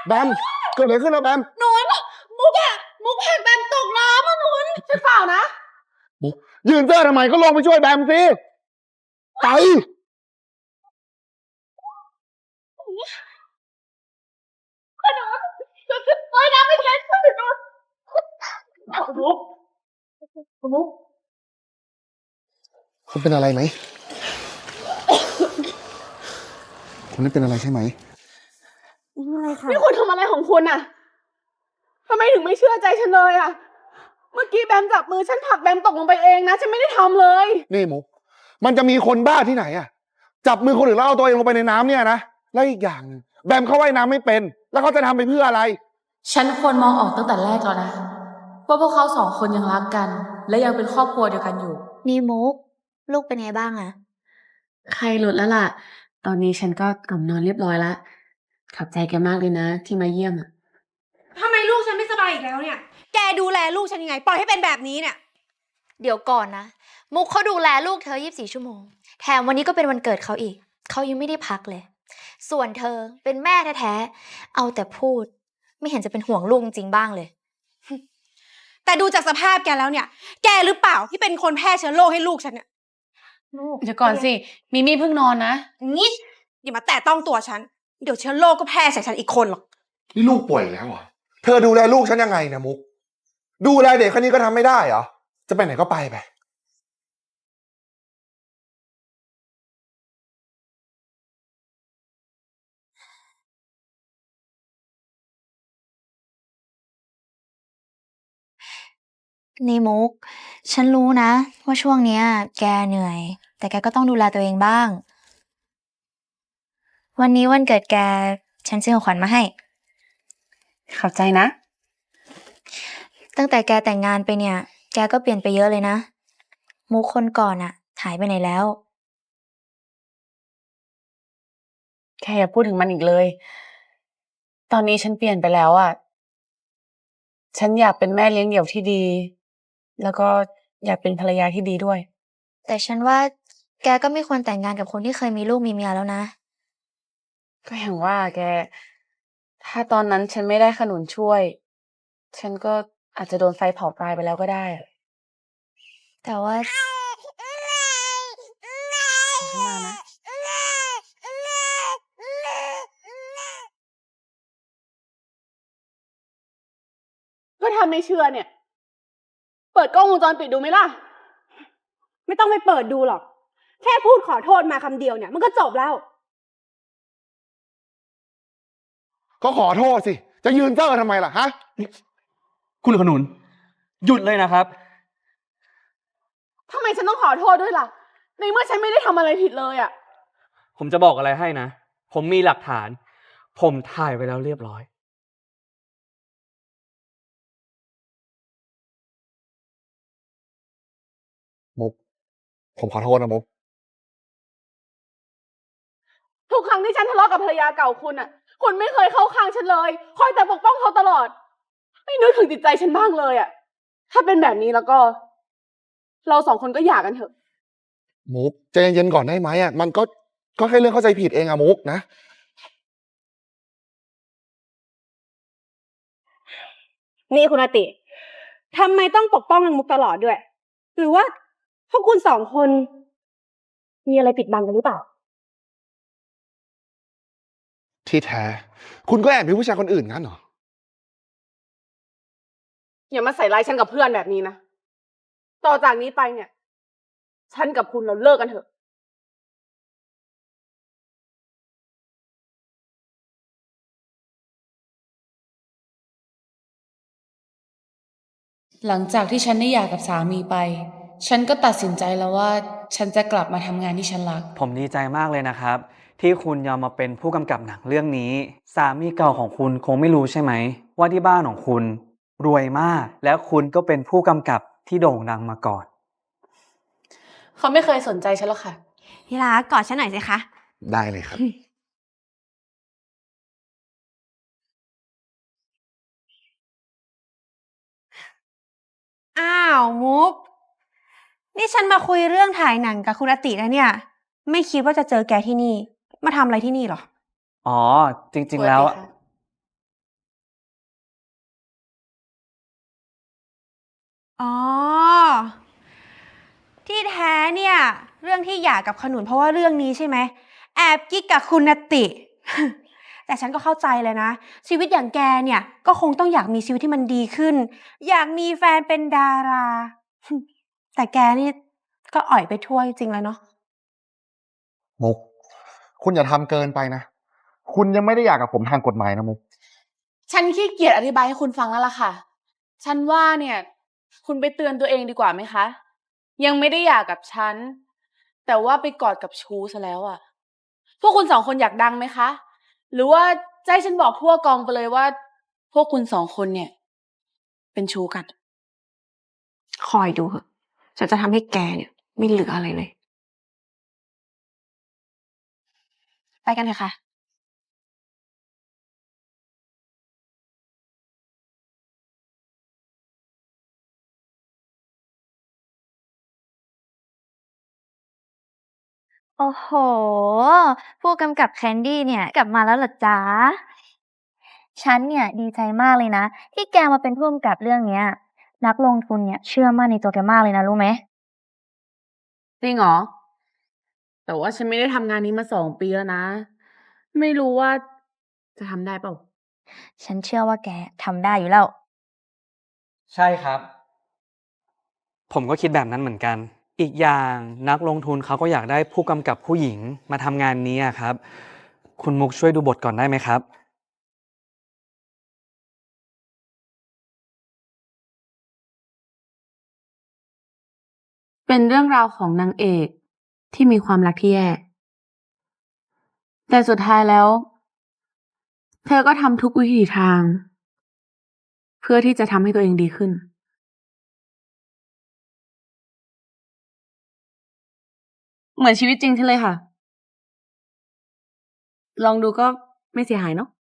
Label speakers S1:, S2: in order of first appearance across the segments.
S1: แบมเกิดอะไรขึ้นนะแบม
S2: หนุนมุกเห็นแบมตกน้ำอ่ะหนุนฉันเปล่านะ
S1: มุกยืนเสื้อทำไมก็ลงไปช่วยแบมสิไป
S2: เฮ้ยน้ำไม่เย็นหนุนมุก
S1: คุณเป็นอะไรไหมคุณไม่เป็นอะไรใช่ไหม
S2: นี่คุณทำอะไรของคุณอ่ะทำไมถึงไม่เชื่อใจฉันเลยอ่ะเมื่อกี้แบมจับมือฉันผลักแบมตกลงไปเองนะฉันไม่ได้ทำเลย
S1: นี่มุกมันจะมีคนบ้าที่ไหนอะจับมือคนอื่นแล้วเอาตัวเองลงไปในน้ำเนี่ยนะแล้วอีกอย่างนึงแบมเขาว่ายน้ำไม่เป็นแล้วเขาจะทำไปเพื่ออะไร
S3: ฉันควรมองออกตั้งแต่แรกแล้วนะว่าพวกเขาสองคนยังรักกัน และยังเป็นครอบครัวเดียวกันอยู่
S4: นี่มุกลูกเป็นไงบ้างอะ
S5: ไข้ลดแล้วล่ะ ตอนนี้ฉันก็กลับนอนเรียบร้อยแล้ว ขอบใจแกมากเลยนะที่มาเยี่ยมอ่ะ
S2: ทำไมลูกฉันไม่สบายอีกแล้วเนี่ยแกดูแลลูกฉันยังไงปล่อยให้เป็นแบบนี้เนี่ย
S4: เดี๋ยวก่อนนะมุกเขาดูแลลูกเธอ24 ชั่วโมงแถมวันนี้ก็เป็นวันเกิดเขาอีกเขายังไม่ได้พักเลยส่วนเธอเป็นแม่แท้ๆเอาแต่พูดไม่เห็นจะเป็นห่วงลูกจริงๆบ้างเลย
S2: แต่ดูจากสภาพแกแล้วเนี่ยแกหรือเปล่าที่เป็นคนแพร่เชื้อโรคให้ลูกฉันเนี่ย
S5: เดี๋ยวก่อนสิมิมี่เพิ่งนอนนะ
S2: นี่อย่ามาแตะต้องตัวฉันเดี๋ยวเชื้อโรคก็แพร่ใส่ฉันอีกคนหรอก
S1: นี่ลูกป่วยแล้วเหรอเธอดูแลลูกฉันยังไงนะมุกดูแลเด็กคนนี้ก็ทำไม่ได้เหรอจะไปไหนก็ไป
S4: นี่มุกฉันรู้นะว่าช่วงเนี้ยแกเหนื่อยแต่แกก็ต้องดูแลตัวเองบ้างวันนี้วันเกิดแกฉันซื้อของขวัญมาให้
S5: ขอบใจนะ
S4: ตั้งแต่แกแต่งงานไปเนี่ยแกก็เปลี่ยนไปเยอะเลยนะมุกคนก่อนอะหายไปไหนแล้ว
S5: แค่อย่าพูดถึงมันอีกเลย ตอนนี้ฉันเปลี่ยนไปแล้วอ่ะ ฉันอยากเป็นแม่เลี้ยงเดี่ยวที่ดี แล้วก็อยากเป็นภรรยาที่ดีด้วย
S4: แต่ฉันว่าแกก็ไม่ควรแต่งงานกับคนที่เคยมีลูกมีเมียแล้วนะ
S5: ก็อย่างว่าแก ถ้าตอนนั้นฉันไม่ได้ขนุนช่วย ฉันก็อาจจะโดนไฟเผาตายไปแล้วก็ได้อะ
S4: แต่ว่า
S5: ฉันมานะ
S2: ก็ทำไม่เชื่อเนี่ยเปิดกล้องวงจรปิดดูไหมล่ะไม่ต้องไปเปิดดูหรอกแค่พูดขอโทษมาคำเดียวเนี่ยมันก็จบแล้ว
S1: ก็ขอโทษสิจะยืนเซอร์ทำไมล่ะฮะ
S6: คุณขนุนหยุดเลยนะครับ
S2: ทำไมฉันต้องขอโทษด้วยล่ะในเมื่อฉันไม่ได้ทำอะไรผิดเลยอ่ะ
S6: ผมจะบอกอะไรให้นะผมมีหลักฐาน ผมถ่ายไว้แล้วเรียบร้อย
S1: มุกผมขอโทษนะมุก
S2: ทุกครั้งที่ฉันทะเลาะกับภรรยาเก่าคุณอ่ะคุณไม่เคยเข้าข้างฉันเลยคอยแต่ปกป้องเขาตลอดไม่นึกถึงจิตใจฉันบ้างเลยอ่ะถ้าเป็นแบบนี้แล้วก็ เราสองคนก็หย่ากันเถอะ
S1: มุกใจเย็นๆก่อนได้ไหมอ่ะมันก็แค่เรื่องเข้าใจผิดเองอะมุกนะ
S2: นี่คุณอาติทำไมต้องปกป้องนางมุกตลอดด้วย หรือว่าพวกคุณสองคน มีอะไรปิดบังกันหรือเปล่า
S1: ที่แท้คุณก็แอบมีผู้ชายคนอื่นงั้นเหรอ
S2: อย่ามาใส่ร้ายฉันกับเพื่อนแบบนี้นะต่อจากนี้ไปเนี่ย ฉันกับคุณเราเลิกกันเถอะ
S3: หลังจากที่ฉันได้หย่ากับสามีไป ฉันก็ตัดสินใจแล้วว่าฉันจะกลับมาทำงานที่ฉันรัก
S6: ผมดีใจมากเลยนะครับ ที่คุณยอมมาเป็นผู้กำกับหนังเรื่องนี้ สามีเก่าของคุณคงไม่รู้ใช่ไหมว่าที่บ้านของคุณรวยมาก แล้วคุณก็เป็นผู้กำกับที่โด่งดังมาก่อน
S5: เขาไม่เคยสนใจฉันหรอกค่ะ
S2: ที่รักกอดฉันหน่อยสิคะ
S1: ได้เลยครับ
S2: อ้าวมุกนี่ฉันมาคุยเรื่องถ่ายหนังกับคุณอาติแล้วเนี่ย ไม่คิดว่าจะเจอแกที่นี่ มาทำอะไรที่นี่หรอ
S6: อ๋อจริงๆแล้ว
S7: อ๋อ ที่แท้เนี่ย เรื่องที่หย่ากับขนุนเพราะว่าเรื่องนี้ใช่ไหม แอบกิ๊กกับคุณนติ แต่ฉันก็เข้าใจเลยนะ ชีวิตอย่างแกเนี่ยก็คงต้องอยากมีชีวิตที่มันดีขึ้น อยากมีแฟนเป็นดารา แต่แกนี่ก็อ่อยไปทั่วจริงๆแล้วเนาะ
S1: มุก คุณอย่าทำเกินไปนะ คุณยังไม่ได้อยากกับผมทางกฎหมายนะมุก
S2: ฉันขี้เกียจอธิบายให้คุณฟังแล้วล่ะค่ะ ฉันว่าเนี่ย คุณไปเตือนตัวเองดีกว่าไหมคะ ยังไม่ได้หย่ากับฉัน แต่ว่าไปกอดกับชู้ซะแล้วอะพวกคุณสองคนอยากดังไหมคะ หรือว่าจะให้ฉันบอกทั่วกองไปเลยว่า พวกคุณสองคนเนี่ย เป็นชู้กัน
S7: คอยดูเถอะ ฉันจะทำให้แกเนี่ยไม่เหลืออะไรเลย ไปกันเถอะค่ะ
S4: โอ้โห ผู้กำกับแคนดี้เนี่ยกลับมาแล้วเหรอจ๊ะ ฉันเนี่ยดีใจมากเลยนะ ที่แกมาเป็นผู้กำกับเรื่องเนี้ย นักลงทุนเนี่ยเชื่อมั่นในตัวแกมากเลยนะรู้ไหม
S2: จริงเหรอ แต่ว่าฉันไม่ได้ทำงานนี้มา2 ปีแล้วนะ ไม่รู้ว่าจะทำได้เปล่า
S4: ฉันเชื่อว่าแกทำได้อยู่แล้ว
S6: ใช่ครับ ผมก็คิดแบบนั้นเหมือนกัน อีกอย่างนักลงทุนเขาก็อยากได้ผู้กำกับผู้หญิงมาทำงานนี้อะครับ คุณมุกช่วยดูบทก่อนได้ไหมครับ
S2: เป็นเรื่องราวของนางเอกที่มีความรักที่แย่ แต่สุดท้ายแล้ว เธอก็ทำทุกวิถีทาง เพื่อที่จะทำให้ตัวเองดีขึ้น เหมือนชีวิตจริงฉันเลยค่ะ ลองดูก็ไม่เสียหายเนาะ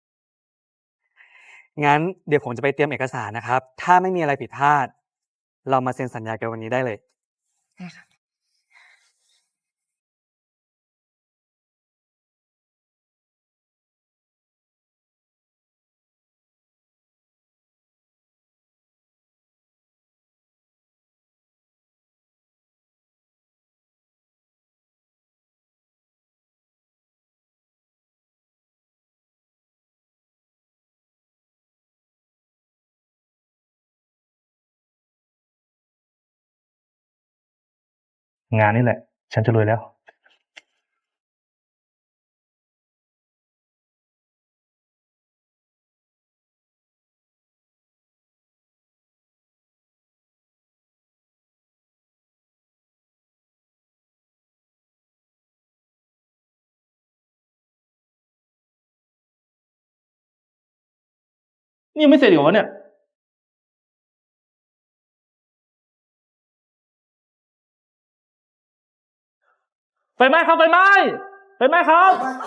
S6: งั้นเดี๋ยวผมจะไปเตรียมเอกสารนะครับ ถ้าไม่มีอะไรผิดพลาด เรามาเซ็นสัญญากันวันนี้ได้เลย
S8: งานนี่แหละ ฉันจะรวยแล้ว นี่ยังไม่เสร็จอีกเหรอวะเนี่ย ไฟไหม้ครับ ไฟไหม้ ไฟไหม้ครับ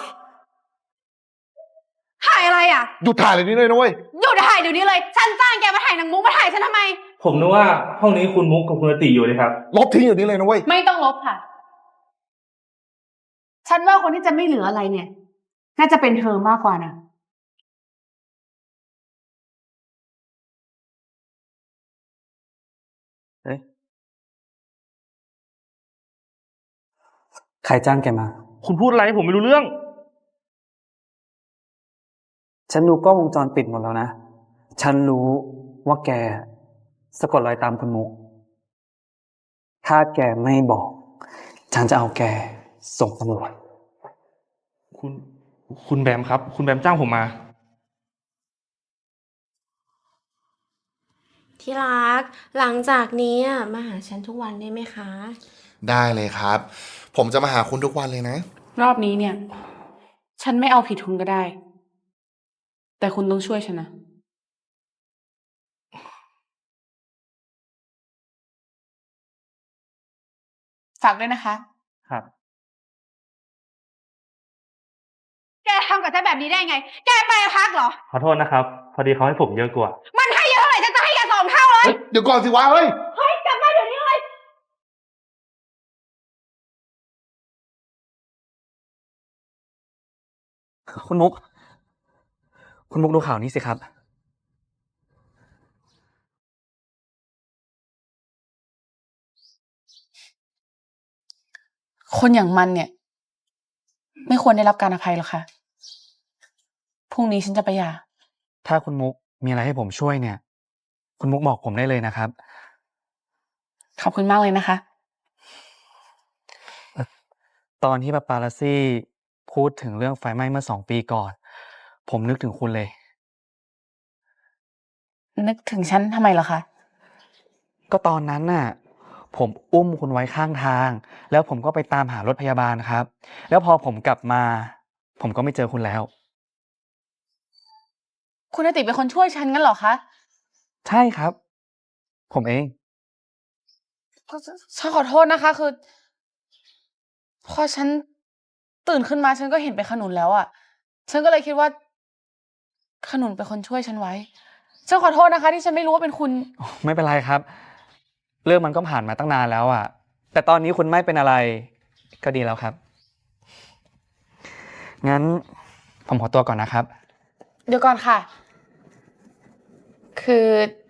S7: ถ่ายอะไรอ่ะ
S1: หยุดถ่ายเลยนี่เลยนะเว้ย
S7: หยุดถ่ายเดี๋ยวนี้เลย ฉันจ้างแกมาถ่ายหนังมุกมาถ่ายฉันทำไม
S8: ผมนึกว่าห้องนี้คุณมุกกับคุณอติอยู่เลยครับ
S1: ลบทิ้งอยู่นี้เลยนะเว้ย
S2: ไม่ต้องลบค่ะ ฉันว่าคนที่จะไม่เหลืออะไรเนี่ย น่าจะเป็นเธอมากกว่านะ
S6: เอ๊ะ ใครจ้างแกมา
S8: คุณพูดอะไรผมไม่รู้เรื่อง
S6: ฉันดูกล้องวงจรปิดหมดแล้วนะ ฉันรู้ว่าแกสะกดรอยตามคุณมุก ถ้าแกไม่บอก ฉันจะเอาแกส่งตำรวจ
S8: คุณแบมครับ คุณแบมจ้างผมมา
S7: ที่รัก หลังจากนี้อะมาหาฉันทุกวันได้ไหมคะ
S1: ได้เลยครับ ผมจะมาหาคุณทุกวันเลยนะ
S2: รอบนี้เนี่ย ฉันไม่เอาผิดคุณก็ได้ แต่คุณต้องช่วยฉันนะ ฝากด้วยนะคะ
S8: ครับ
S7: แกทำกับฉันแบบนี้ได้ไง แกไปพักเหรอ
S8: ขอโทษนะครับ พอดีเขาให้ผมเยอะกว่า
S7: มันให้เยอะเท่าไหร่ฉันจะให้แก2 เท่าเลย
S1: เฮ้ย เดี๋ยวก่อนสิวะเฮ้ย
S7: เฮ้ย กลับมาเดี๋ยวนี้เลย
S6: คุณมุก คุณมุกดูข่าวนี้สิครับ
S5: คนอย่างมันเนี่ย ไม่ควรได้รับการอภัยหรอกค่ะ พรุ่งนี้ฉันจะไปหย่า
S6: ถ้าคุณมุกมีอะไรให้ผมช่วยเนี่ย คุณมุกบอกผมได้เลยนะครับ
S5: ขอบคุณมากเลยนะคะ
S6: ตอนที่ปาปารัสซี่พูดถึงเรื่องไฟไหม้เมื่อ2 ปีก่อน ผมนึกถึงคุณเลย
S5: นึกถึงฉันทำไมเหรอคะ
S6: ก็ตอนนั้นน่ะ ผมอุ้มคุณไว้ข้างทาง แล้วผมก็ไปตามหารถพยาบาลครับ แล้วพอผมกลับมา ผมก็ไม่เจอคุณแล้ว
S5: คุณอติเป็นคนช่วยฉันงั้นเหรอคะ
S6: ใช่ครับ ผมเอง
S5: ฉันขอโทษนะคะ คือ พอฉันตื่นขึ้นมาฉันก็เห็นเป็นขนุนแล้วอะฉันก็เลยคิดว่า ขนุนเป็นคนช่วยฉันไว้ ฉันขอโทษนะคะ ที่ฉันไม่รู้ว่าเป็นคุณ
S6: ไม่เป็นไรครับ เรื่องมันก็ผ่านมาตั้งนานแล้วอ่ะ แต่ตอนนี้คุณไม่เป็นอะไร ก็ดีแล้วครับ งั้นผมขอตัวก่อนนะครับ
S5: เดี๋ยวก่อนค่ะ คือ